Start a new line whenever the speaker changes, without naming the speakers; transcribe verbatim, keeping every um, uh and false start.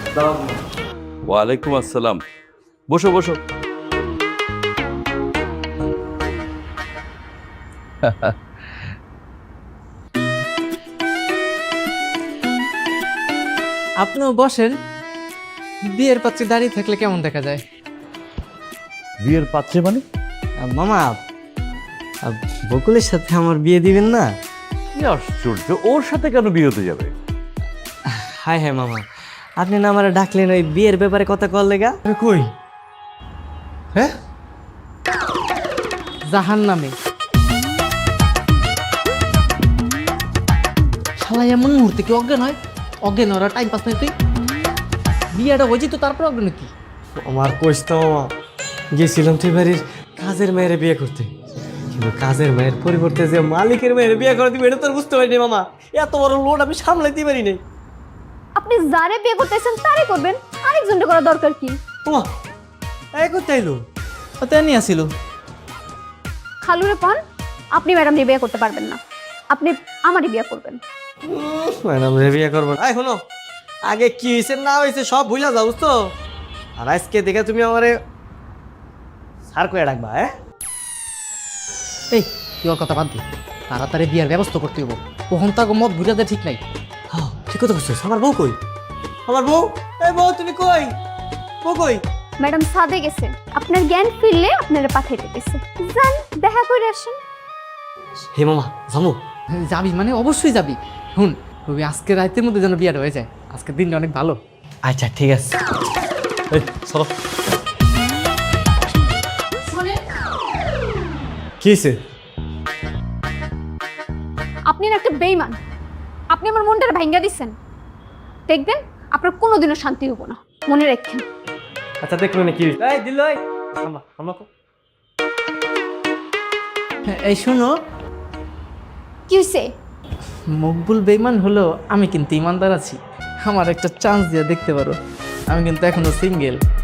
ওয়ালাইকুম আসসালাম। বসো বসো।
আপনিও বসেন। বিয়ের পাত্রে দাঁড়িয়ে থাকলে কেমন দেখা যায়?
বিয়ের পাত্রে মানে?
আহ, মামা আহ, বকুলের সাথে আমার বিয়ে দিবেন না?
কি আশ্চর্য, ওর সাথে কেন বিয়ে হতে যাবে?
হায় হায় মামা, আপনি না আমার ডাকলেন ওই বিয়ের ব্যাপারে কথা কল লেগা?
কই? হ্যাঁ, জাহান নামে শালা এমন মুহূর্তে কি অজ্ঞান হয়? অজ্ঞান ওরা টাইম পাস নাই। তুই বিয়েটা হয়েছি তো তারপর অজ্ঞান কি?
আমার কইস তো মামা, গেছিলাম তুই বাড়ির কাজের মেয়েরে বিয়ে করতে, কিন্তু কাজের মেয়ের পরিবর্তে যে মালিকের মেয়েরে বিয়ে করে দিবে এটা তো আর বুঝতে পারিনি মামা। এত বড় লোড আমি সামলাইতে পারি নাই।
আপনি যারে বিয়ে করতেছেন তারই করবেন, আরেকজনকে করা দরকার কি?
মামা এই করতে আইলো?
তেমনি আসিল।
খালুরে পান, আপনি ম্যাডাম নিয়ে বিয়ে করতে পারবেন না, আপনি আমারই বিয়ে করবেন।
ম্যাডাম রে বিয়ে করবো না? শোনো, আগে কি হয়েছে না হয়েছে সব ভুলা যাও বুঝতো। আর আজকে দেখে তুমি আমারে সার করে ডাকবা। হ্যাঁ
এই তুই ওর কথা বাদ দি, তাড়াতাড়ি বিয়ের ব্যবস্থা করতে হইব। কখন তাকে মত বুঝাতে ঠিক নাই।
হ্যাঁ ঠিক কথা বলছিস। আমার বউ কই? আমার বউ, এই বউ তুমি কই? বউ কই?
ম্যাডাম সাদে গেছে, আপনার জ্ঞান ফিরলে আপনারা পাঠাইতে গেছে। যান দেখা করে আসেন।
হে মামা জামু?
যাবি মানে অবশ্যই যাবি। শুন, তুমি আজকে রাতের মধ্যে যেন বিয়েটা হয়ে যায়। আজকের দিনটা অনেক ভালো।
আচ্ছা ঠিক আছে। এই চলো। কি হয়েছে?
আপনি না একটা বেইমান, আপনি আমার মনটা ভাঙ্গা দিচ্ছেন। দেখবেন আপনার কোনোদিনও শান্তি হবো না, মনে রাখেন।
আচ্ছা দেখলো না কি হয়েছে? এই দিল এই আমরা আমরা
এই শোনো,
কি হয়েছে?
মকবুল বেইমান হলো, আমি কিন্তু ইমানদার আছি। আমার একটা চান্স দিয়ে দেখতে পারো, আমি কিন্তু এখনো সিঙ্গেল।